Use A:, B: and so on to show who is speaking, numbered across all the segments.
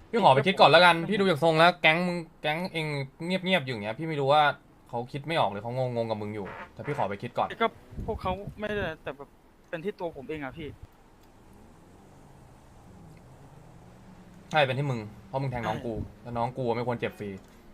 A: พี่ขอไปคิดก่อนแล้วกันพี่ดูจากทรงแล้วแก๊งเองเงียบๆอยู่อย่างเงี้ยพี่ไม่รู้ว่าเขาคิดไม่ออกหรือเขางงกับมึงอยู่แต่พี่ขอไปคิดก่อน
B: ก็พวกเขาไม่ได้แต่แบบเป็นที่ตัวผมเองอะพี่
A: ใช่เป็นที่มึงเพราะมึงแทงน้
B: ใช่
A: องกูแล้วน้องกูไม่ควรเจ็บฟรี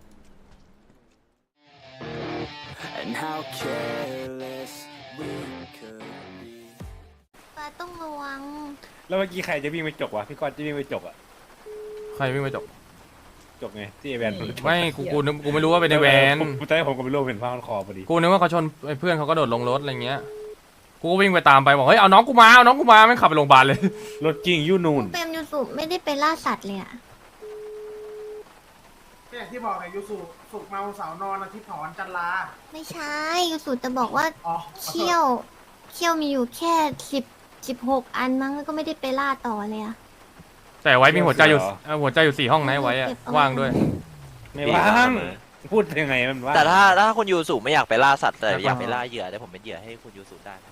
C: And how careless we could be
D: ปาต้องระวัง
E: แล้วเมื่อกี้ใครจะวิ่งไปจกวะพี่ก้อนจะวิ่งไปจกอะ
A: ใครวิ่งไปจบ
E: จกไงที่ไอแวนมัน
A: ไม่กูนึกกูไม่รู้ว่าเป็นในแวน
E: ตอนแรกผมก็ไม่รู้เป็นผ้าพันคอพอดี
A: กูนึกว่าเขาชนไอ้เพื่อนเขาก็โดดลงรถอะไรเงี้ยกูก็วิ่งไปตามไปบอกเฮ้ยเอาน้องกูมาเอาน้องกูมาไม่งขับไปโรงพยาบาลเลย
E: รถกิ้งยูนูน
D: เปรมยูสุไม่ได้ไปล่าสัตว์เลยอะ
F: ก็อย่างที่บอกไงยูสุสุกเมาสาวนอนอาทิตย์ถอนจันลา
D: ไม่ใช่ยูสุจะบอกว่า
F: อ๋อ
D: เขี้ยวมีอยู่แค่16 อันมั้งแล้วก็ไม่ได้ไปล่าต่อเลยอะ
A: แต่ไว้มีหัวใจอยู่หัวใจอยู่4 ห้องนะไว้อะ
D: เก็บเอาไว้
A: ว่างด้วย
E: ไม่ว่างพูดยังไงมันว่าง
G: แต่ถ้าคุณยูสุไม่อยากไปล่าสัตว์แต่อยากไปล่าเหยื่อแต่ผมเป็นเหยื่อให้คุณยูสุได้นะ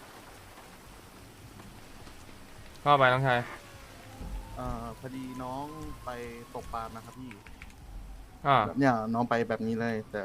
A: ก็ไปน้องชาย
H: พอดีน้องไปตกปลานะครับพี่
A: อ่า
H: เนี่ยน้องไปแบบนี้เลย แต่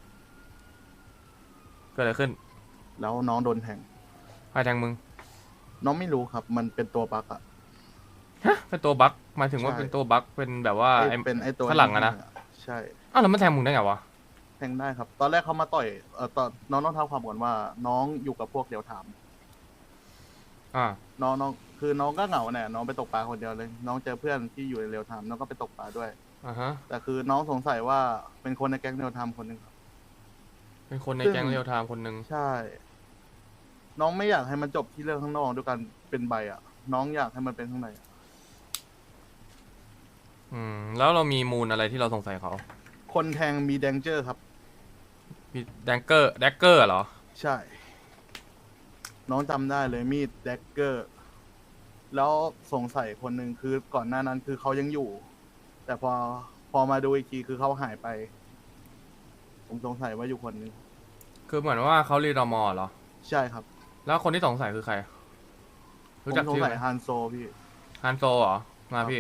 A: เกิดอะไรขึ้น
H: แล้วน้องโดนแทง
A: ใครแทงมึง
H: น้องไม่รู้ครับ มันเป็นตัวบั๊กอะ
A: เป็นตัวบั๊กหมายถึงว่า
H: ใช่
A: เป็นตัวบั๊กเป็นแบบว่าไอ้
H: เป็นไอตัว
A: ฝรั่งอะนะ
H: ใช่
A: อ้าวแล้วมันแทงมึงได้ไงวะ
H: แทงได้ครับ ตอนแรกเขามาต่อยตอนน้องต้องเท้าความก่อนว่า น้องอยู่กับพวกเดียวถาม
A: อ่า
H: น้องคือน้องก็เหงาเนี่ยน้องไปตกปลาคนเดียวเลย น้องเจอเพื่อนที่อยู่ในเรียวไทม์น้องก็ไปตกปลาด้วย
A: อ่าฮะ
H: แต่คือน้องสงสัยว่าเป็นคนในแก๊งเรียวไทม์คนหนึ่งครับ
A: เป็นคนในแก๊งเรียวไทม์คนหนึ่ง
H: ใช่ น้องไม่อยากให้มันจบที่เรื่องข้างนอกด้วยกันเป็นใบอ่ะ น้องอยากให้มันเป็นข้างในอะ
A: แล้วเรามีมูลอะไรที่เราสงสัยเขา
H: คนแทงมีแดงเจอร์ครับ
A: มีแดกเกอร์เหรอ
H: ใช่ น้องจำได้เลยมีดแดกเกอร์ แล้วสงสัยคนหนึ่งคือก่อนหน้านั้นคือเขายังอยู่ แต่พอมาดูอีกทีคือเขาหายไป ผมสงสัยว่าอยู่คนหนึง
A: คือเหมือนว่าเขารีดอมอเหรอ
H: ใช่ครับ
A: แล้วคนที่สงสัยคือใคร
H: ผ
A: รู้
H: ม
A: จัก
H: สง
A: ชื่อ
H: สั
A: ไห
H: ย
A: ม
H: ฮันโซพี่
A: ฮันโซเหรอ มาพี่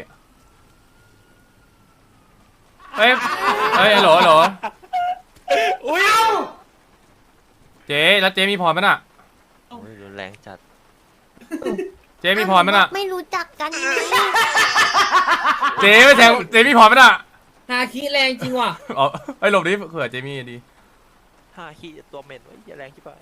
A: เอ้ยฮัลโหล
E: อุ้ย
A: เจ๊แล้วเจ๊มีพรมั้ยน่ะ
G: โอ้ยรุนแรงจัด
A: เจ๊มีพรมั้ยน่ะ
D: ไม่รู้จักกันไง
A: เจ๊ไม่แทงเจ๊มีพรมั้ยน่ะ
I: ฮาคิแรงจริงว่ะ
A: อ๋อไอ้ยหลบดิเผื่อเจ๊มีดี
G: ห้าขี้ตัวเหม็นไว้อย่าแรงที่ไป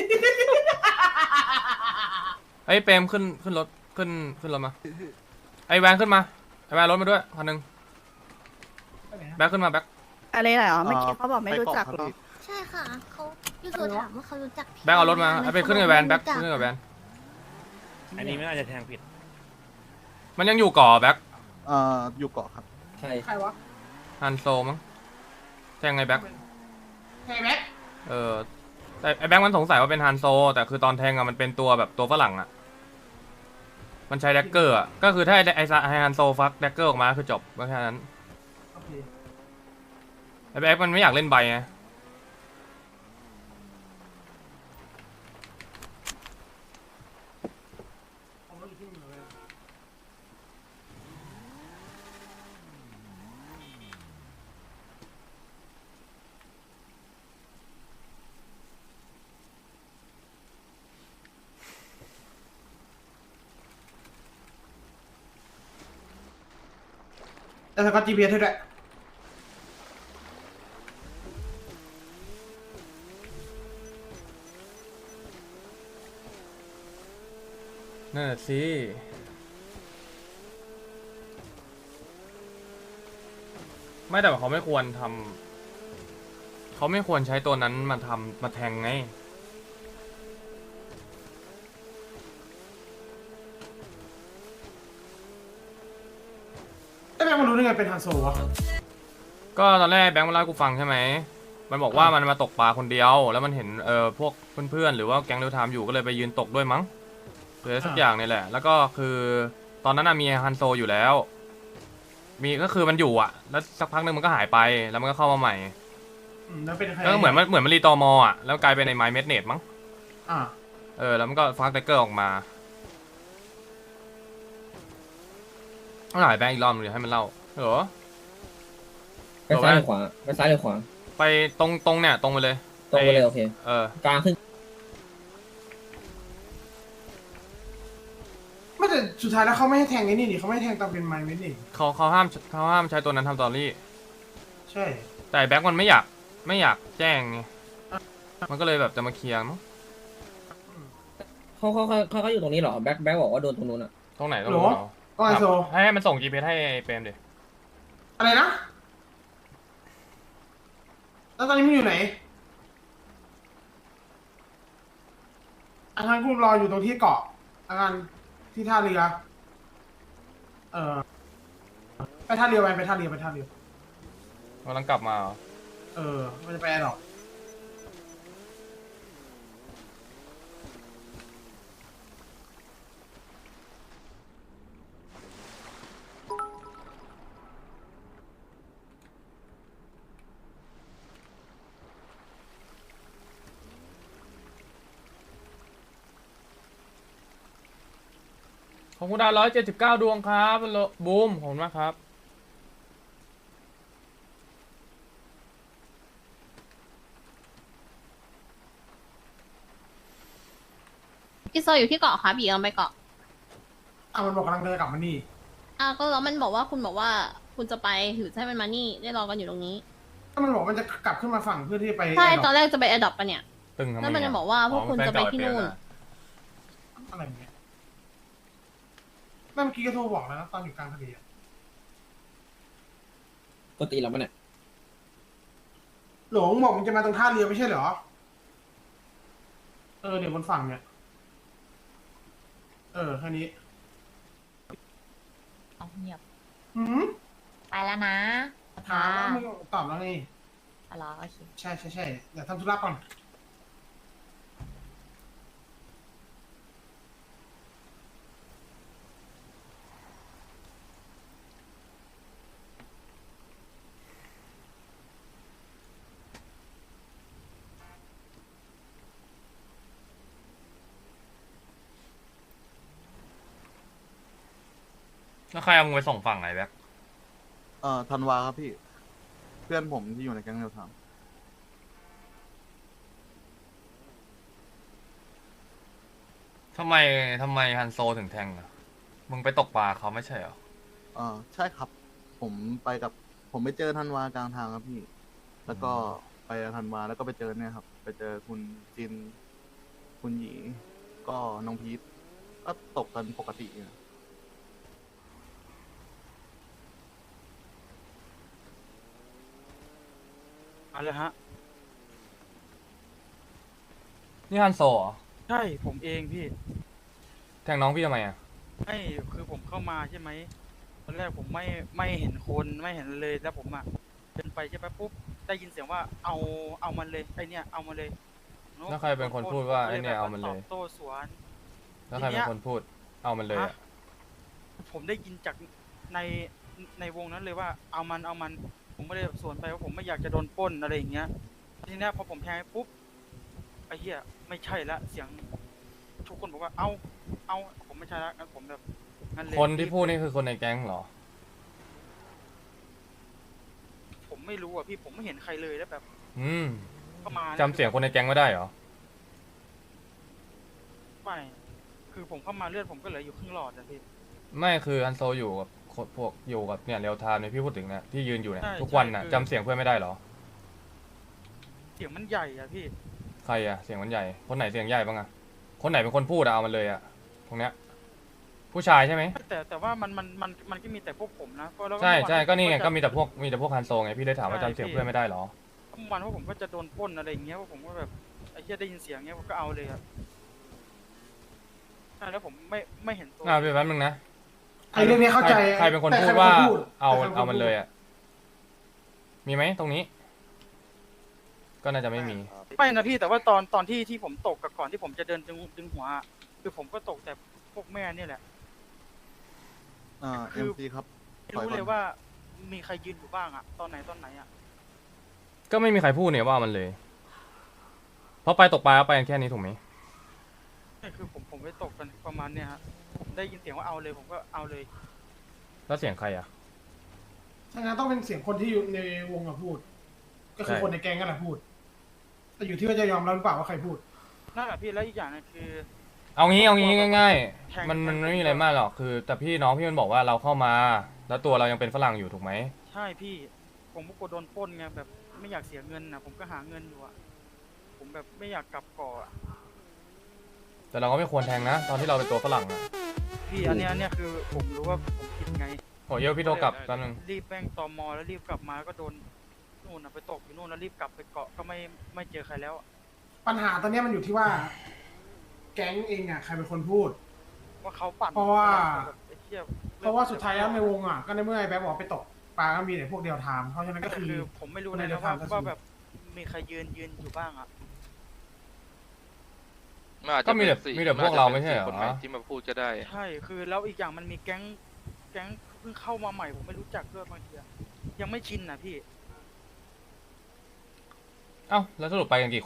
A: ไอ้ยเปรมขึ้นรถขึ้นรถมา ไอ้แวนขึ้นมา ไอ้แวนรถมาด้วยคันหนึงแบ็คขึ้นมาแบ็ค
J: อะไรเหรอเมื่อกี้เขาบอกไม่รู้จักหรอ
D: ใช่ค่ะเขายูสุถามว่าเขารู้จักพี่
A: แบ็คเอารถมา
D: ห
A: ไอ้ไปขึ้นกับแวนแบ็ค
D: เขา
A: ขึ้น
D: บ
A: กั
D: อบ ก
A: แวน
E: อันนี้ไม่น่าจะแทงผิด
A: มันยังอยู่ก่อแบ็ค
H: อยู่เกาะครับ
I: ใช่
F: ใครวะ
A: ฮันโซมั้งแทงไงแบ็ค
F: แฮแบ็ค
A: แต่ไอ้แบ็คมันสงสัยว่าเป็นฮันโซแต่คือตอนแทงอะมันเป็นตัวแบบตัวฝรั่งอะมันใช้แดกเกอร์อะก็คือถ้าไอ้ฮันโซฟักแดกเกอร์ออกมาคือจบก็แค่นั้น
F: โอเค
A: ไอ้แบ็คมันไม่อยากเล่นใบไง
F: ผมรู้อยู่ที่มึงเลย แล้วก็ GPS ให้ด้วย
A: นั่นแหละสิไม่แต่ว่าเขาไม่ควรทำเขาไม่ควรใช้ตัวนั้นมาแทงไง
F: ไอ้แม่งมันรู้ได้ไงเป็นฮันโซวะ
A: ก็ตอนแรกแบงค์มาเล่าให้กูฟังใช่ไหมมันบอกว่ามันมาตกปลาคนเดียว แล้วมันเห็นพวกเพื่อนๆหรือว่าแก๊งเรียวไทม์อยู่ก็เลยไปยืนตกด้วยมั้งหรืออะไรสักอย่างนี่แหละ แล้วก็คือตอนนั้นมีฮันโซอยู่แล้ว มีก็คือมันอยู่อ่ะ แล้วสักพักหนึงมันก็หายไปแล้วมันก็เข้ามาใหม่
F: แล้วเป็นใคร
A: แล้วก็เหมือนมันรีตอมอ่ะแล้วกลายเป็นในไมเมดเนตมั้ง
F: อ่า
A: แล้วมันก็ฟักแดกเกอร์ออกมาต้องหายแบงค์อีกรอบนึงเดี๋ยวให้มันเล่าเหรอ
I: ไปซ้ายหรือขวาไปซ้ายหรือขวา
A: ไปตรงเนี่ยตรงไปเลย
I: ตรงไปเลยโอเค
A: เออ
I: กลางขึ้น
F: ไม่แต่สุดท้ายแล้วเขาไม่ให้แทงไอ้นี่ดิเขาไม่ให้แทงตอนเป็นไม้เว้นดิ
A: เขาห้ามใช้ตัวนั้นทำตอรี่
F: ใช่
A: แต่แบ็คมันไม่อยากแจ้งไงมันก็เลยแบบจะมาเคลียร์มั้ง
I: เขาอยู่ตรงนี้เหรอแบ็คบอกว่าโดนตรงนู้นอ่ะ
A: ตรงไหนตรง
F: โหล
A: นู้นเหรอ
F: ก็ไอโซ
A: ให้มันส่ง GPS ให้เปรมดิ
F: อะไรนะ แล้วตอนนี้มึงอยู่ไหนอังคารกูรออยู่ตรงที่เกาะอังคารที่ท่าเรือ ไปท่าเรือไปท่าเรือ
A: กำลังกลับมาเหรอ
F: มันจะไปแอร์ดรอป
A: ขอบคุณดาว179 ดวงครับบูมขอบคุณมากครับ
J: พี่โซอยู่ที่เกาะค่ะบีกำลังไปเกาะ
F: มันบอกกำลังเดินกลับมานี่
J: ก็แล้วมันบอกว่าคุณบอกว่าคุณจะไปหรือให้มันมานี่ได้รอกันอยู่ตรงนี้
F: ถ้ามันบอกมันจะกลับขึ้นมาฝั่งเพื่อที่จะไป
J: ใช่
F: แร์ด
J: ต
F: ร
J: อ
F: อน
J: แรกจะไปแอร์ดรอปปะเนี่ย
A: ตึงทำไม
J: แล้วมันจะ
A: อะ
J: บอกว่าพวกคุณจะไปที่นู่น
F: อะไรอย่างเงี้ยเมื่อกี้ก็โทรบอกแล้วนะตอนอยู่กลางทะเลอะ
I: ปกติแล้วมันเนี่ย
F: หลงบอกมึงจะมาตรงท่าเรือไม่ใช่เหรอ เดี๋ยวบนฝั่งเนี่ย แค่นี้
D: เงียบ
F: หืม
D: ไปแล้วนะ
F: ถามแล้วมึงตอบแล้วไง
D: รอโอเค
F: ใช่เดี๋ยวทำธุระก่อน
A: แล้วใครเอามึงไปส่งฝั่งไหนแบ็ค
H: ธันวาครับพี่ เพื่อนผมที่อยู่ในแก๊งเดียวท
A: ทำไมฮันโซถึงแทงอ่ะมึงไปตกปลาเขาไม่ใช่เหรอ
H: ใช่ครับ ผมไปเจอธันวากลางทางครับพี่ แล้วก็ไปธันวาแล้วก็ไปเจอเนี่ยครับ ไปเจอคุณจิน คุณหยีก็น้องพีทก็ตกกันปกตินะ
B: อะไรฮะ
A: นี่ฮันโซเหรอ
B: ใช่ผมเองพี่
A: แทงน้องพี่ทำไมอ่ะ
B: ไม่คือผมเข้ามาใช่ไหมตอนแรกผมไม่เห็นคนไม่เห็นเลยแล้วผมอะเดินไปใช่ไหมปุ๊บได้ยินเสียงว่าเอามันเลยไอเนี่ยเอามันเลย
A: แล้วใครเป็นคนพูดว่าไอ้เนี่ยเอามันเลย
B: ตอบโต้สวน
A: แล้วใครเป็นคนพูดเอามันเลยอ่ะ
B: ผมได้ยินจากในวงนั้นเลยว่าเอามันผมก็เลยสวนไปว่าผมไม่อยากจะโดนปล้นอะไรอย่างเงี้ยทีเนี้ยพอผมแทงปุ๊บไอ้เหี้ยไม่ใช่ละเสียงทุกคนบอกว่าเอาผมไม่ใช่ละงั้นผมแบบงั้นเลย
A: คนที่พูดนี่คือคนในแก๊งเหรอ
B: ผมไม่รู้อ่ะพี่ผมไม่เห็นใครเลยแล้วแบบ
A: อืม
B: เข้ามา
A: จำเสียงคนในแก๊งไม่ได้เหรอ
B: ไม่คือผมเข้ามาเลือดผมก็เหลืออยู่ครึ่งหลอดอะพี่
A: ไม่คือฮันโซอยู่กับพวกอยู่กับเนี่ยเรียวไทม์เนี่ยพี่พูดถึงเนี่ยที่ยืนอยู่เนี่ย
B: ใช่
A: ทุกวันน่ะ
B: ใช่คือ
A: จำเสียงเพื่อนไม่ได้เหรอ
B: เสียงมันใหญ่อะพี่
A: ใครอ่ะเสียงมันใหญ่คนไหนเสียงใหญ่บ้างอ่ะคนไหนเป็นคนพูดอะเอามันเลยอ่ะตรงเนี้ยผู้ชายใช่ไหม
B: แต่ว่ามันก็มีแต่พวกผมนะเพราะแล้ว
A: ใช่ใช่ก็นี่ไงก็
B: เ
A: มีแต่พวกฮันโซไงพี่เลยถามว่าจำเสียงเพื่อนไม่ได้เหรอ
B: มื่อวันว่าผมก็จะโดนปล้นอะไรอย่างเงี้ยว่าผมก็แบบไอ้เหี้ยได้ยินเสียงเงี้ยผมก็เอาเลยครับใช่แล้วผมไม่เห็นตัว
A: พี่แป๊บนึงนะ
F: ไอ้เรื่องนี้เข้าใจ
A: ใครเป็นคน
F: แต่
A: พู
F: ใคร
A: ด
F: เป็น
A: ว่า
F: คนพูด
A: เอา
F: แต่ใครเป็นคน
A: เอามัน
F: พูด
A: เลยอ่ะมีไหมตรงนี้ ก็น่าจะไม่มี
B: ไม่นะพี่แต่ว่าตอนที่ผมตกกับก่อนที่ผมจะเดินดึงหัวอะคือผมก็ตกแต่พวกแม่เนี่ยแหละ
H: เอ็มซีครับ
B: ไม่รู้เลยว่ามีใครยืนอยู่บ้างอะตอนไหนอะ
A: ก็ไม่มีใครพูดเนี่ยว่ามันเลย เพราะไปตกปลาไปกันแค่นี้ถูกไหม
B: นี่คือผมไปตกกันประมาณเนี่ยฮะผมได้ยินเสียงว่าเอาเลยผมก็เอาเลย
A: แล้วเสียงใครอ่ะ
F: ถ้างั้นต้องเป็นเสียงคนที่อยู่ในวงอะพูด ก็คือ
A: ใช่
F: คนในแก๊งกันแหละพูด แต่อยู่ที่ว่าจะยอมรับหรือเปล่าว่าใครพูด
B: นั่นแหละพี่แล้วอีกอย่างนึงคือ
A: เอางี้ง่าย
B: แทง
A: ๆมัน
B: แทง
A: ไม่มีอะไรมากหรอกคือ แต่พี่น้องพี่มันบอกว่าเราเข้ามา แล้วตัวเรายังเป็นฝรั่งอยู่ถูกไหม
B: ใช่พี่ผมก็กลัวโดนปล้นไงแบบไม่อยากเสียเงินนะผมก็หาเงินอยู่อะผมแบบไม่อยากกลับเกาะอะ
A: แต่เราก็ไม่ควรแทงนะ ตอนที่เราเป็นตัวฝรั่งอะ
B: พี่อันเนี้ยคือผมรู้ว่าผมผิดไง
A: โหเยอะพี่โทรกลับแป๊บนึง
B: รีบแม่งตมแล้วรีบกลับมาก็โดนนู่นนะไปตกอยู่นู่นแล้วรีบกลับไปเกาะก็ไม่เจอใครแล้วอะ
F: ปัญหาตอนเนี้ยมันอยู่ที่ว่า แก๊งเองอะใครเป็นคนพูด
B: ว่าเขาปั่น
F: เพราะว่า
B: แบบไอ้เหี้ย
F: เพราะว่าสุดท้ายแล้วในวงอะก็ในเมื่อไอ้แบ๊บบอกไปตกปลาก็มีแต่พวกเดียวทามเพราะฉะนั้นก็คือ
B: ผมไม่รู้
F: คน
B: นะ
F: เดียว
B: ว่า
F: ทามก็คือ
B: ว่าแบบมีใครยืนอยู่บ้างอะ
A: ก็มีแต่พวกเราไม่ใช่เหรอ
K: ที่มาพูดก็ได้
B: ใช่คือแล้วอีกอย่างมันมีแก๊งเพิ่งเข้ามาใหม่ผมไม่รู้จักด้วยบางทีอะยังไม่ชินนะพี่
A: เอ้าแล้วสรุปไปกันกี่คน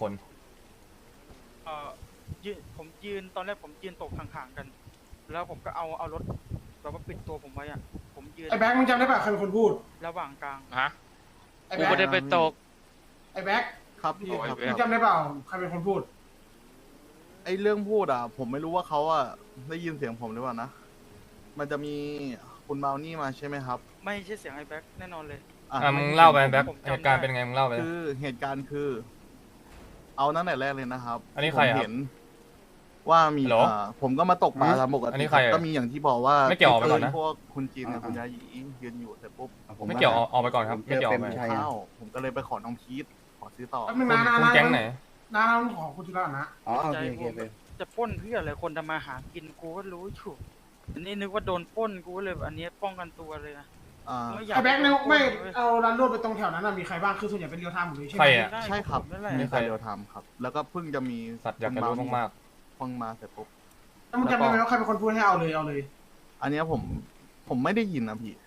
B: ผมยืนตอนแรกผมยืนตกห่างๆกัน แล้วผมก็เอารถแบบว่าปิดตัวผมไว้อะผมยืน
F: ไอ้แบ๊กมึงจำได้ป่ะใครเป็นคนพูด
B: ระหว่างกลาง
K: ฮะ
F: ไอ้
K: กู
F: แบ๊ก
K: ไม่ได้ไปตก
F: ไอ้แบ๊ก
H: ครับพี่
K: โอ้ย
H: ครับ
K: แบ๊
F: มึงจำได้เปล่าใครเป็นคนพูด
H: ไอ้เรื่องพูดอ่ะ ผมไม่รู้ว่าเขาอ่ะได้ยินเสียงผมหรือเปล่านะ มันจะมีคุณเมานี่มาใช่ไหมครับ
B: ไม่ใช่เสียงไอ้แบ็คแน่นอนเลย
A: มึงเล่าไปแบ็ค
B: ผมจำได้
A: เหตุการณ์เป็นไงมึงเล่าไป
H: คือเหตุการณ์คือ เอานั่นแต่แรกเลยนะครับ
A: อันนี้ใคร
H: ผม
A: อะ
H: เห็นว่ามี
A: ฮัลโหล
H: ผมก็มาตกปลาตามปก
A: อันนี้
H: ติ
A: ใครอะ
H: ก็มีอย่างที่บอกว่า
A: ไม่เกี่ยวออกไปก่อนนะ
H: พวกคุณจีนกับคุณยาหยียืนอยู่เสร็จปุ๊บ
A: ไม่เกี่ยวออกไปก่อนครับไม่เกี่ยวออกไป
H: ข้าวผมก็เลยไปขอน้องพีทขอซื้อต่อ
F: แป๊บนึง
A: คุณ
F: นะ
A: คุณแก๊งไหน
F: น้าของคุณจุฬานะ
I: อ๋อโอ
B: ใจ
I: เคโอเค
B: ผม
I: โอเค
B: จะปล้นเพื่ออะไรคนทำมาหากินกูก็รู้อยู่อันนี้นึกว่าโดนปล้นกูก็เลยอันนี้ป้องกันตัวเลยนะ
H: อ่า
B: ไม่อยาก
F: ไอ้แบ็กเนี่ยไม่
B: โดนปล้นเลย
F: เอาร้านรวดไปตรงแถวนั้นน่ะมีใครบ้างคือส่วนใหญ่เป็นเรียวไทม์หมดเลยใช่ไห
A: ใค
F: ม
A: รอะ
B: ได้
H: ใช่ครับ
B: ผมนั่นแหละ
H: มีใครเดียวทำครับ แล้วก็เพิ่งจะมี
A: สัตว์อยากจะรู้มาก
H: เพิ่งมาเสร็จปุ๊บ
F: แล้วมึงจำได้ไหมว่าใครเป็นคนพูดให้เอาเลยเอาเลย
H: อันเนี้ยผมไม่ได้ยินนะพี่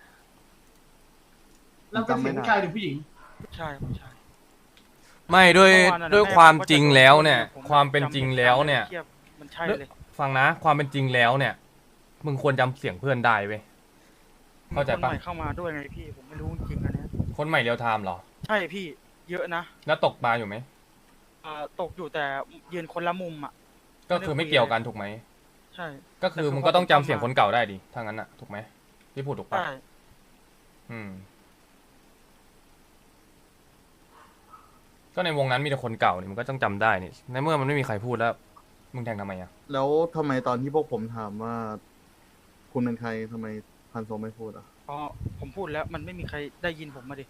F: แล้วเป็นเสียงผู้ชายหรือผู้หญิง
B: ใช่ไม่ใช่
A: ๆ ไม่ด้วย
B: เมื่อวานน่ะ
A: ด้วย
B: แม่
A: ความ
B: บอก
A: จริง
B: จะโดน
A: แล้วเนี่ย
B: ผม
A: ความเป็นจริงแล้วเนี่ย
B: ทีบมันใช่เลย
A: ฟังนะ ความเป็นจริงแล้วเนี่ย มึงควรจำเสียงเพื่อนได้เว้ย เข้าใจปะ
B: คนใหม่เข้ามาด้วยไงพี่ผมไม่รู้จริงๆอันเนี้ย
A: คนใหม่เรียวไทม์เหรอ
B: ใช่พี่เยอะนะ
A: แล้วตกปลาอยู่ไหม
B: ตกอยู่แต่ยืนคนละมุมอ่ะ
A: ก็คือไม่เกี่ยวกันถูกไหม
B: ใช่
A: ก็คือมึงก็ต้องจำเสียงคนเก่าได้ดิถ้างั้นอะถูกไหมที่พูดถูกปะ
B: ใช่
A: อืม ก็ในวงนั้นมีแต่คนเก่านี่มึงก็ต้องจำได้นี่ในเมื่อมันไม่มีใครพูดแล้ว มึงแทงทำไมอะ
H: แล้วทำไมตอนที่พวกผมถามว่า คุณเป็นใครทำไมพันโซไม่พูดอ่ะ
B: เพราะผมพูดแล้วมันไม่มีใครได้ยินผมมาดิ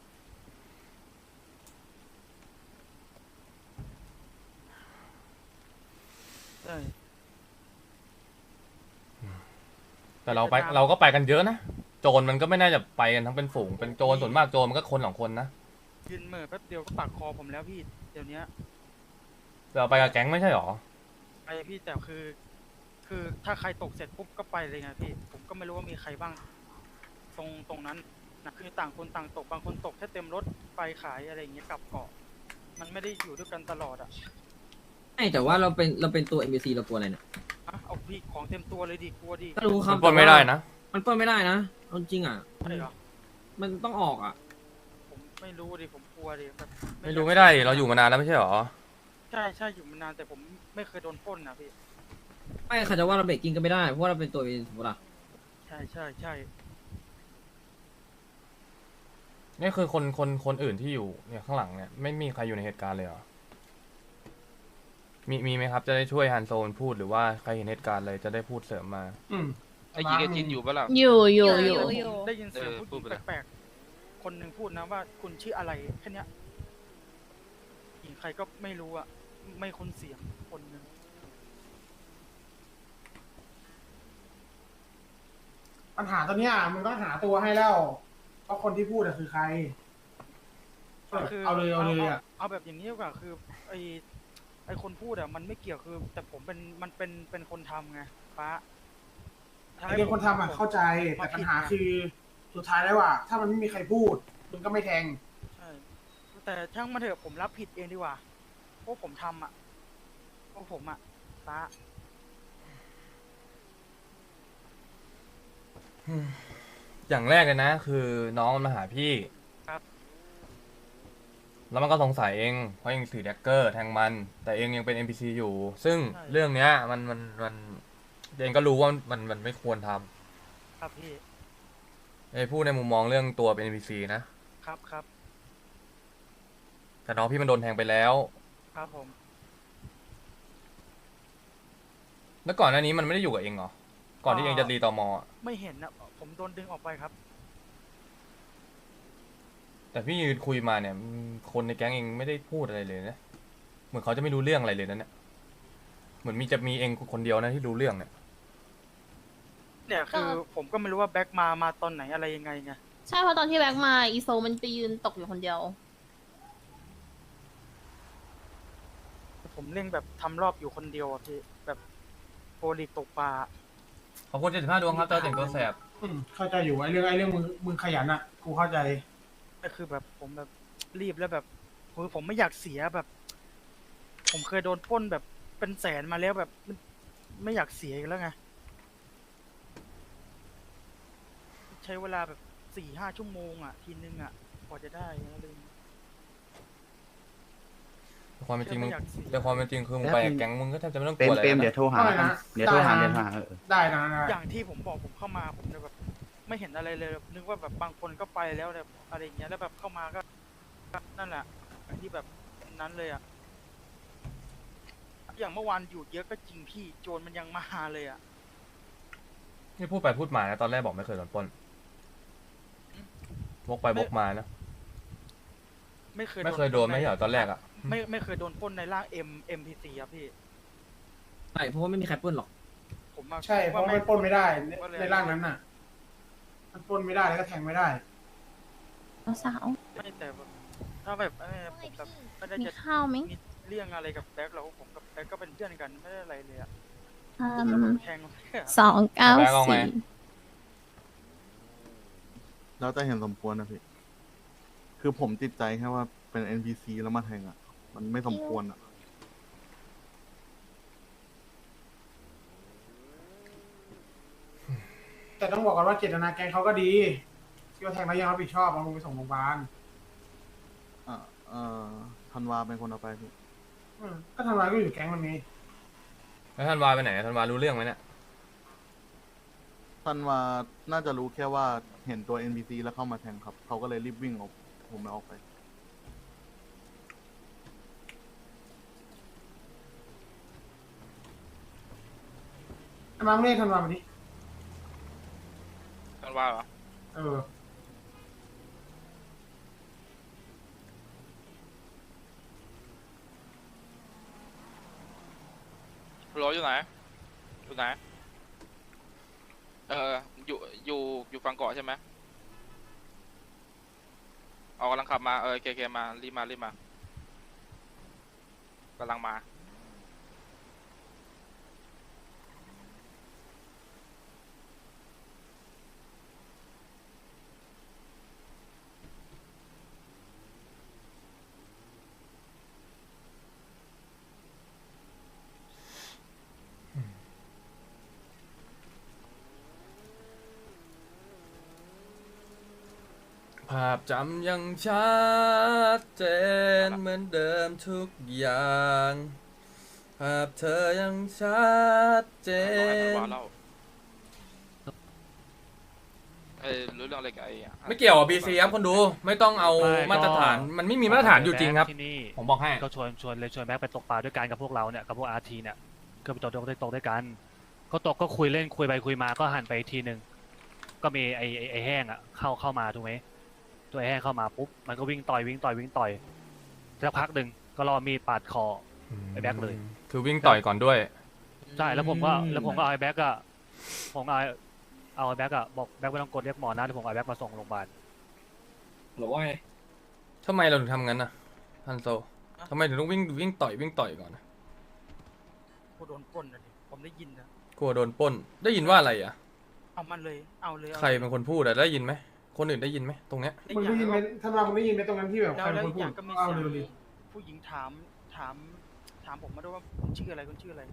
B: ใช่
A: แต่เราก็ไปกันเยอะนะโจรมันก็ไม่น่าจะไปกันทั้งเป็นฝูงเป็นโจรส่วนมากโจรมันก็คนสองคนนะ
B: ยืนเหม่อแป๊บเดียวก็ปากคอผมแล้วพี่เดี๋ยวนี้
A: แต่เราไปกับแก๊งไม่ใช่หรอ
B: ไปพี่แต่คือถ้าใครตกเสร็จปุ๊บก็ไปเลยไงพี่ผมก็ไม่รู้ว่ามีใครบ้าง ตรงนั้นนะคือต่างคนต่างตกบางคนตกแค่เต็มรถไปขายอะไรอย่างเงี้ยกลับเกาะมันไม่ได้อยู่ด้วยกันตลอดอ่ะ
I: ไม่แต่ว่าเราเป็นตัว NPC เรากลัวอะไรเนี่ย
B: อ่ะเอาพี่ของเต็มตัวเลยดิกลัวดิ
I: ก็รู้ครับ
A: มันปล้นไม่ได้นะ
I: มันปล้นไม่ได้นะเอาจริงอ่ะ
B: ใช่เหรอ
I: มันต้องออกอ่ะ
B: ผมไม่รู้ดิผมกลัวดิแบบ
A: ไม่รู้ไม่ได้ดิเราอยู่มานานแล้วไม่ใช่หรอ
B: ใช่อยู่มานานแต่ผมไม่เคยโดนปล้นนะพี่
I: ไม่ค่ะจะว่าเราเบรกกิ้งก็ไม่ได้เพราะว่าเราเป็นตัว NPC ถูกปะล่ะ
B: ใช่
A: นี่คือคนอื่นที่อยู่เนี่ยข้างหลังเนี่ยไม่มีใครอยู่ในเหตุการณ์เลยเหรอ มีไหมครับจะได้ช่วยฮันโซนพูดหรือว่าใครเห็นเหตุการณ์เลยจะได้พูดเสริมมา
F: อืม
K: ไอ้ยีกับจินอยู่ปะล่ะ
J: อยู่
B: ผมได้ยินเสียง
K: เออ
B: ผู้ห
K: พู
B: ญิ
K: ด
B: ง
K: ไปเลย
B: แปลกๆคนหนึ่งพูดนะว่าคุณชื่ออะไรแค่เนี้ยหญิงใครก็ไม่รู้อ่ะไม่คุ้นเสียงคนหนึ่ง
F: ปัญหาตอนเนี้ยมึงต้องหาตัวให้แล้วว่าคนที่พูดอะคือใคร
B: คือ
F: เอาเลยอะ
B: เอาแบบอย่างนี้ดีกว่าคือไอคนพูดอ่ะมันไม่เกี่ยวคือ แต่ผมเป็นคนทำไงป้า
F: ไอ้เรื่องคนทำอะเข้าใจแต่ปัญหาคือสุดท้ายแล้วอะถ้ามันไม่มีใครพูดมึงก็ไม่แทง
B: ใช่แต่ช่างมาเถอะผมรับผิดเองดีกว่าเพราะผมทำอ่ะเพราะผมอ่ะป้า
A: ยอย่างแรกเลยนะ คือน้องมันมาหาพี่
B: ครับ
A: แล้วมันก็สงสัยเองเพราะเองถือแดกเกอร์แทงมัน แต่เองยังเป็น NPC อยู่ ซึ่งเรื่องเนี้ยมันเองก็รู้ว่ามันไม่ควรท
B: ครับพี่
A: ำไอ้พูดในมุมมองเรื่องตัวเป็น NPC นะ
B: ครับครับ
A: แต่น้องพี่มันโดนแทงไปแล้ว
B: ครับผม
A: แล้วก่อนหน้านี้มันไม่ได้อยู่กับเองเหรอ ก่อนที่เองจะรีตอมอะ
B: ไม่เห็นนะผมโดนดึงออกไปครับ
A: แต่พี่ยืนคุยมาเนี่ยคนในแก๊งเองไม่ได้พูดอะไรเลยนะ เหมือนเขาจะไม่รู้เรื่องอะไรเลยนะเนี่ย เหมือนจะมีเองคนเดียวนะที่รู้เรื่องเนี่ย
B: เนี่ยคือผมก็ไม่รู้ว่าแบ็คมาตอนไหนอะไรยังไงไง
J: ใช่เพราะตอนที่แบ็คมาอีโซมันไปยืนตกอยู่คนเดียว
B: ผมเล่นแบบทำรอบอยู่คนเดียวอะพี่แบบโปรลีกตกปลา
A: ขอบคุณ75 ดวงครับเจ้าแต่งตัวแสบ
F: เข้าใจอยู่ไอ้เรื่องมึงขยันอ่ะกูเข้าใจ
B: ก็คือแบบผมแบบรีบแล้วแบบผมไม่อยากเสียแบบ ผมเคยโดนปล้นแบบเป็นแสนมาแล้วแบบไม่อยากเสียอีกแล้วไงใช้เวลาแบบ4-5 ชั่วโมงอ่ะทีนึงอ่ะกว่าจะได้อะไรอย่างเงี้ย
A: แต่ความเป็นจริงมึง
B: ไม่อยากเสีย
A: แต่ความเป็นจริงคือมึงไปกับแก๊งมึงก็แทบจะไม่ต้องก
H: เปร
A: ลัว
H: ม
A: อะไร
H: เปรม
A: นะ
H: เดี๋ยวโทรหา
F: ได้นะ
H: เดี๋ยวโทรหา
F: ได้นะ
H: เดี๋ยวโทรหา
F: ได้นะ
B: อย่างที่ผมบอกผมเข้ามาผมจะแบบไม่เห็นอะไรเลยนึกว่าแบบบางคนก็ไปแล้วแบบอะไรอย่างเงี้ยแล้วแบบเข้ามาก็นั่นแหละอย่างที่แบบนั้นเลยอ่ะอย่างเมื่อวานอยู่เยอะก็จริงพี่โจรมันยังมาเลยอ่ะ
A: นี่พูดไปพูดมานะตอนแรกบอกไม่เคยโดนปล้นวกไปวกมานะ
B: ไม่เคย
A: ไม่เคยโดนไม่ใช่เหรอตอนแรกอะ
B: ไม่เคยโดนปล้นในร่าง MPC ครับพี่
I: ใช่เพราะว่าไม่มีใครปล้นหรอก
B: ผมมา
F: ใช่เพราะมันปล้นไม่ได้ในร่างนั้นน่ะ มันปล้นไม่ได้แล้วก็แทงไม่ได้
J: สาว
B: ไม่แต่แบบถ้าแบบผมแบบไม่ได้
J: มี
B: จะ
J: ข้าวไหม
B: มีเรื่องอะไรกับแบ็คแล้วผมกับแบ็คก็เป็นเพื่อนกันไม่ได้อะไรเลยอะ แทง
J: 294
H: แล้วแต่เห็นสมควรนะพี่ คือผมติดใจแค่ว่าเป็น NPC แล้วมาแทงอ่ะ มันไม่สมควรอ่ะ
F: แต่ต้องบอกกันว่าเจตนาแกงเขาก็ดีที่ว่าแทงแล้วยังรับผิดชอบเอามึงไปส่งโรงพยาบาล
H: ธันวาเป็นคนเอาไปพี่
F: ก็ทำร้ายก็อยู่แก๊งมันนี้
A: แล้วท่านวาไปไหนท่านวารู้เรื่องไหมเนี่ย
H: ธันวาน่าจะรู้แค่ว่าเห็นตัว NPC แล้วเข้ามาแทงครับ เขาก็เลยรีบวิ่งออกผมออกไป
F: มาเล่ทันวามาดิ
K: กันว่าเหรอ
F: เออ
K: รออยู่ไหน อยู่ไหน อยู่ฝั่งเกาะใช่ไหมเอากำลังขับมาเคมารีบมากำลังมา
A: ภาพจำยังชัดเจนเหมือนเดิมทุกอย่าง ภาพเธอยังชัดเจ
K: รอให้ธัน
A: น
K: วาเล่ารู้เรื่องอะไรกับไอ้อะ
A: ไม่เกี่ยวกับ BC ครับคนดูไม่ต้องเอามาตรฐานมันไม่มีมาตรฐานอยู่จริงครับ
E: ที่นี่
A: ผมบอกให้
E: ก็ชวนแบ็คไปตกปลาด้วยกันกับพวกเราเนี่ยกับพวกอาร์ทีเนี่ยก็ไปตกด้วยกันก็ตกก็คุยเล่นคุยไปคุยมาก็หันไปอีกทีหนึ่งก็มีไอ้แห้งอ่ะเข้ามาถูกไหมตัวไอ้แห้งเข้ามาปุ๊บมันก็วิ่งต่อยสักพักหนึ่งก็รอมีดปาดคอไอ้แบ็คเลย
A: คือวิ่งต่อยก่อนด้วย
E: ใช่แล้วผมก็เอาไอ้แบ็คอะผมเอาไอ้แบ็คอะบอกแบ็คไม่ต้องกดเรียกหมอนะเดี๋ยวผมเอาไอ้แบ็คมาส่งโรงพยาบาล
I: หรือว่าไง
A: ทำไมเราถึงทำงั้นนะฮันโซทำไมถึงต้องวิ่งต่อยก่อนนะ
B: กูโดนปล้นนะดิผมได้ยินนะ
A: กลัวโดนปล้นได้ยินว่าอะไรอ่ะ
B: เอามันเลยเอาเลย
A: ใครเป็นคนพูดอะได้ยินไหมคนอื่นได้ยินไหมตรงเนี้ย
F: มึงได้ยินไหมทันวามึงได้ยินไหมตรงนั้นที่แบบ
B: แล้
F: ใคร
B: ว
F: เป็น
B: อี
F: คน
B: กอ
F: พูด
B: ย่างก็มี
F: เอา
B: เสีย
F: เร็วดิ
B: งผู้หญิงถามผมมาด้วยว่าคุณชื่ออะไร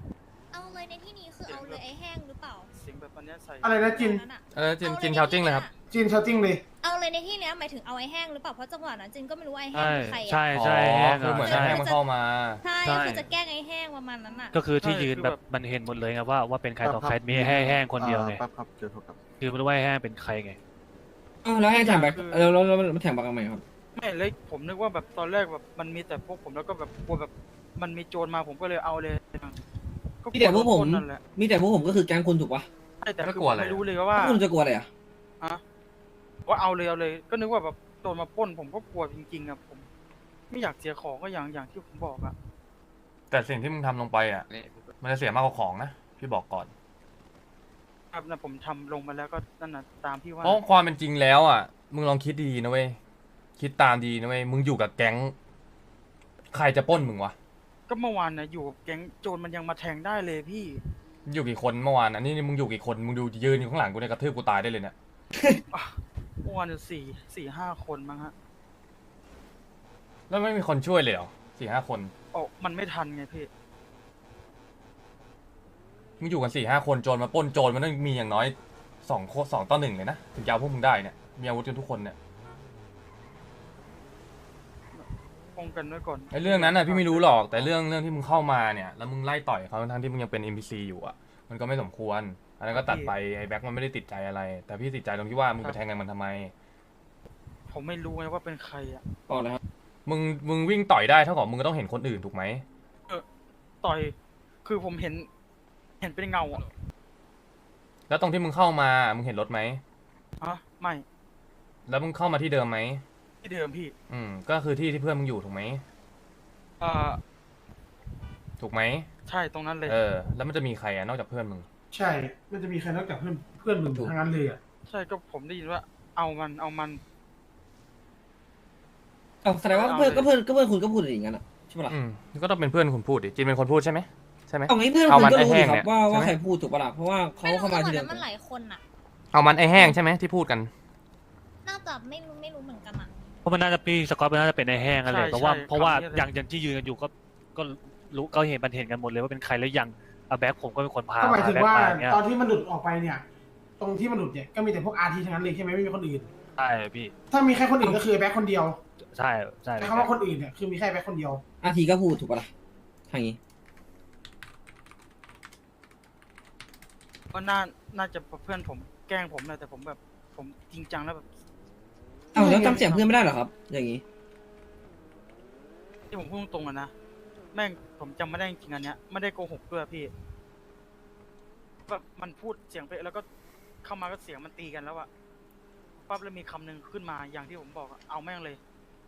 J: เอาเลยในที่นี้คือเอาเลยไอ้แห้งหรือเปล่า
B: เสียงแบบอันเนี้ยใส่
F: อะไรนะจิน
A: จินชาวจิ้งเลยครับ
F: จินชาวจิ้งเลย
J: เอาเลยในที่เนี้ยหมายถึงเอาไอ้แห้งหรือเปล่าเพราะจังหวะนั้นจินก็ไม่รู้ว่าไอ้แห้ง
E: ใช่
J: คือใคร
E: ใช่
J: อ่ะ
E: ใช่
A: อ๋อ
E: แห้ง
A: คือเหมือน
E: ใช่
A: แห้งมันเข้ามา
J: ใช่
E: ใช่
J: คือจะแกล้งไอ้แห้งประมาณนั้นอ่ะ
E: ก็คือที่ยืนแบบมันเห็นหมดเลยไงว่าเป็นใครต่อใครมีแห้งคนเดียวไง
H: แป๊บครับเจอโทรกลับ
E: คือไม่รู้ว่าไอ้แห้งเป็นใครไง
I: อ้าวแล้วให้แถมแบ็คแล้วมันแถมแบ็คทำไมครับ
B: ไม่เลยผมนึกว่าแบบตอนแรกแบบมันมีแต่พวกผมแล้วก็แบบกลัวแบบมันมีโจรมาผมก็เลยเอาเลยก็
I: มีแต่พวกผม
B: นั่นแหละ
I: มีแต่พวกผมก็คือแก๊งคุณถูกปะ
B: ใช่แต่
A: แล้ว
B: คื
A: กลัว
B: อ
A: อะไร
B: ไม่รู้เลยว่า
I: คุณจะกลัวอะไรอ่ะ
B: ว่าเอาเลย ก็นึกว่าแบบโจรมาปล้นผมก็กลัวจริงๆอะผม ไม่อยากเสียของก็อย่างที่ผมบอกอะ
A: แต่สิ่งที่มึงทำลงไปอ่ะ มันจะเสียมากกว่าของนะ พี่บอกก่อน
B: ครับนะผมทำลงมาแล้วก็นั่นน่ะตามที่ว่า
A: เพราะความเป็นจริงแล้วอ่ะ มึงลองคิดดีๆนะเว้ย คิดตามดีนะเว้ย มึงอยู่กับแก๊ง ใครจะปล้นมึงวะ
B: ก็เมื่อวานนะอยู่กับแก๊งโจรมันยังมาแทงได้เลยพี่
A: อยู่กี่คนเมื่อวานอันนี้มึงอยู่กี่คน มึงดูยืนอยู่ข้างหลังกูเนี่ยกระทืบกูตายได้เลยเนี่ย
B: เมื่อวานอยู่สี่ห้าคนมั้งฮะ
A: แล้วไม่มีคนช่วยเลยเหรอ4-5 คน
B: โอ้มันไม่ทันไงพี่
A: มึงอยู่กัน4-5 คนโจรมาปล้นโจรมันต้องมีอย่างน้อย2-1เลยนะถึงจะเอาพวกมึงได้เนี่ย มีอาวุธกันทุกคนเนี่ย
B: ป้องกันไว้ก่อน
A: ไอ้เรื่องนั้นน่ะพี่ไม่รู้หรอก แต่เรื่องที่มึงเข้ามาเนี่ยแล้วมึงไล่ต่อยเขาทั้งที่มึงยังเป็น NPC อยู่อ่ะ มันก็ไม่สมควร อันนั้นก็ตัดไปไอ้แบ็คมันไม่ได้ติดใจอะไร แต่พี่ติดใจตรงที่ว่ามึงไปแทงกันมันทำไม
B: ผมไม่รู้ไงว่าเป็นใครอะ
I: ต่อเลยครับ
A: มึงวิ่งต่อยได้เท่ากับมึงก็ต้องเห็นคนอื่นถูกไหม
B: ต่อยคือผมเห็นเป็นเงาอะ
A: แล้วตรงที่มึงเข้ามามึงเห็นรถไหม
B: ไม่
A: แล้วมึงเข้ามาที่เดิมไหม
B: ที่เดิมพี่
A: ก็คือที่เพื่อนมึงอยู่ถูกไหม ถูกไหม
B: ใช่ตรงนั้นเลย
A: แล้วมันจะมีใครอะนอกจากเพื่อนมึง
F: ใช่ มันจะมีใครนอกจากเพื่อนมึงทั้งนั้นเลยอ่ะ
B: ใช่ก็ผมได้ยินว่าเอามัน
I: เอาแสดงว่าเพื่อนคุณก็พูดอย่างนั้นอ่ะใช่ปะล่ะ
A: ก็ต้องเป็นเพื่อนคุณพูดดิจินเป็นคนพูดใช่ไหมใช่ไหม
I: เอางี้เพื่อน
A: เอา
I: คุณ
A: มัน
I: ก็
A: ไอ้
I: รู้
A: แห้
I: ดิ
A: ง
I: ครั
A: เนี่
I: บ
A: ย
I: ว่า
A: ใช่ไหม
I: ใครพูดถูกปะล่ะเพราะว่าเขาเข้ามาทีเดียว
J: มันหลายคนอ่ะ
A: เอามันไอแห้งใช่ไหมที่พูดกัน
J: น่าจะไม่รู้เหมือนกันอ่ะ
E: เพราะมันน่าจะปีสกอตมันน่าจะเป็นไอ้แห้งกันเลย
B: ใช่
E: เพราะว่า
B: ใช่
E: เพราะว่า
B: คำนี้เลย
E: อย่างที่ยืนกันอยู่ก็รู้ก็เห็นมันเห็นกันหมดเลยว่าเป็นใครแล้วยังแบ็คผมก็เป็นคนพา
F: ก็หมายถึง
E: แบ็ค
F: ว่า
E: มาอย่างเงี้ย
F: ตอนที่มันหลุดออกไปเนี่ย ตรงที่มันหลุดเนี่ยก็มีแต่พวกอาร์ทีทั้งนั้นเลยใช่ไหมไม่มีคนอื่น
E: ใช่พี่
F: ถ้ามีแค่คนอื่นก็คือแบ็คคนเดียว
E: ใช่ใช่
F: แต่คำว่าคนอื่นเนี่ยคือมีแค่แบ็คคนเดียว
I: อาทีก็พูดถูกปะล่ะทางนี้
B: ก็น่าจะเพื่อนผมแกล้งผมนะแต่ผมแบบผมจริงจังแล้วแบบ
I: เอาแล้วจำเสียงเพื่อนไม่ได้เหรอครับ อย่างนี้
B: ที่ผมพูดตรงๆอะนะแม่งผมจำไม่ได้จริงๆอันเนี้ยไม่ได้โกหกด้วยพี่แบบมันพูดเสียงไปแล้วก็เข้ามาก็เสียงมันตีกันแล้วอะปั๊บแล้วมีคำหนึ่งขึ้นมาอย่างที่ผมบอกอะเอาแม่งเลย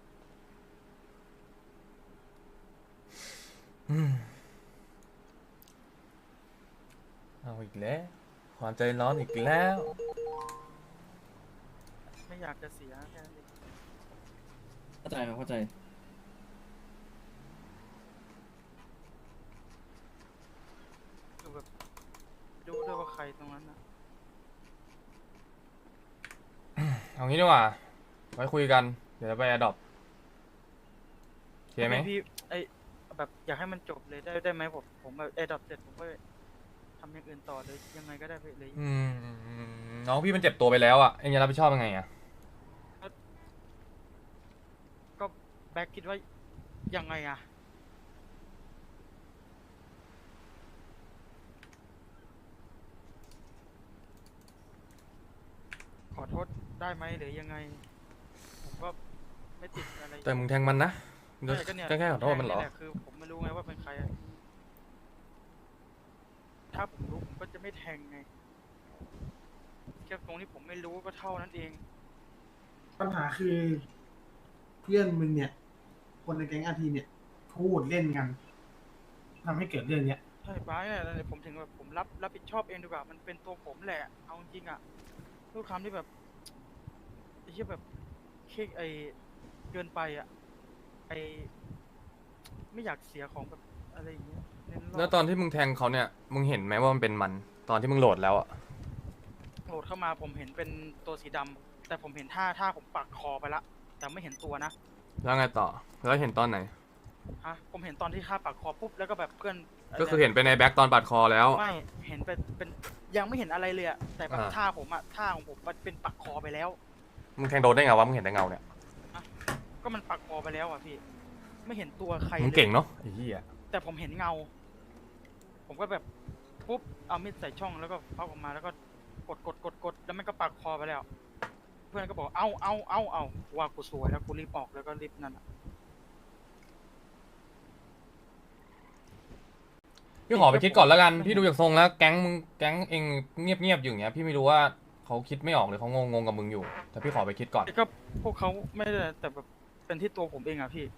A: เอาอีกแล้วความใจร้อนอีกแล้ว
B: ไม่อยากจะเสียแค่นั้นเอง
I: เข้าใจครับเข้าใจ
B: คือแบบดูด้วยว่าใครตรงนั้นนะ
A: เอางี้ดีกว่าไว้คุยกัน เดี๋ยวไปอดอปโอเคไหม
B: พี่แบบอยากให้มันจบเลยได้ไหมผมแบบดับเสร็จผมก็ทำอย่างอื่นต่อเลยยังไงก็ได้ไปเลย
A: น้องพี่มันเจ็บตัวไปแล้วอ่ะเอ็งจะรับผิดชอบยังไงอ่ะ
B: ก็แบ็คคิดว่ายังไงอะขอโทษได้ไหมหรือยังไง ผมก็ไม่ติดอะไร
A: แต่มึงแทงมันนะ
B: ใช่ก็เนี่ย
A: แค่ขอโทษมันเหรอ
B: แหละคือผมไม่รู้ไงว่าเป็นใครอะถ้าผมรู้ผมก็จะไม่แทงไงแค่ตรงที่ผมไม่รู้ก็เท่านั้นเอง
F: ปัญหาคือเพื่อนมึงเนี่ย คนในแก๊งอาร์ทีเนี่ย พูดเล่นกันทำให้เกิดเรื่องเนี้ย
B: ใช่ป้าเนี่ยแล้วผมถึงแบบผมรับผิดชอบเองดีกว่ามันเป็นตัวผมแหละ เอาจริงๆอ่ะทุกคำที่แบบไอ้ที่แบบเคเกินไปอ่ะไม่อยากเสียของแบบอะไรอย่างเงี้ยเน้นรบ
A: แล้วตอนที่มึงแทงเขาเนี่ย มึงเห็นไหมว่ามันเป็นมัน ตอนที่มึงโหลดแล้วอ่ะ
B: โหลดเข้ามาผมเห็นเป็นตัวสีดำแต่ผมเห็นท่าผมปักคอไปละแต่ไม่เห็นตัวนะ
A: แล้วไงต่อ แล้วเห็นตอนไหน
B: ผมเห็นตอนที่ท่าปักคอปุ๊บแล้วก็แบบเพื่อน
A: ก็คือเห็นไปในแบ็กตอนปาดคอแล้ว
B: ไม่เห็นเป็นยังไม่เห็นอะไรเลยอะแต่แบบ
A: อ่า
B: ท่าผมอะท่าของผมมันเป็นปักคอไปแล้ว
A: มึงแทงโดนได้ไงวะมึงเห็นแต่เงาเนี่ย
B: ก็มันปักคอไปแล้วอะพี่ ไม่เห็นตัวใคร
A: มึง
B: เลย
A: เก่งเนาะไอ้เหี้ย
B: แต่ผมเห็นเงา ผมก็แบบปุ๊บเอามีดใส่ช่องแล้วก็พับออกมาแล้วก็กดแล้วมันก็ปักคอไปแล้ว เพื่อนก็บอกเอาว่ากูสวยแล้วกูรีบออกแล้วก็รีบนั่นอะ
A: พี่ขอไปคิดก่อนแล้วกันพี่ดูจากทรงแล้วแก๊งมึงแก๊งเองเงียบๆอยู่อย่างเงี้ยพี่ไม่รู้ว่าเขาคิดไม่ออกหรือเขางงกับมึงอยู่แต่พี่ขอไปคิดก่อน
B: ก็พวกเขาไม่ได้แต่แบบเป็นที่ตัวผมเองอะพี่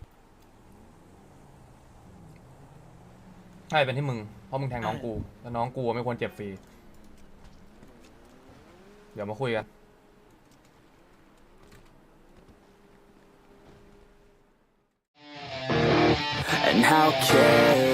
A: ใช่เป็นที่มึงเพราะมึงแทงน้องกูแล้วน้องกูไม่ควรเจ็บฟรีเดี๋ยวมาคุยกัน
C: And how careless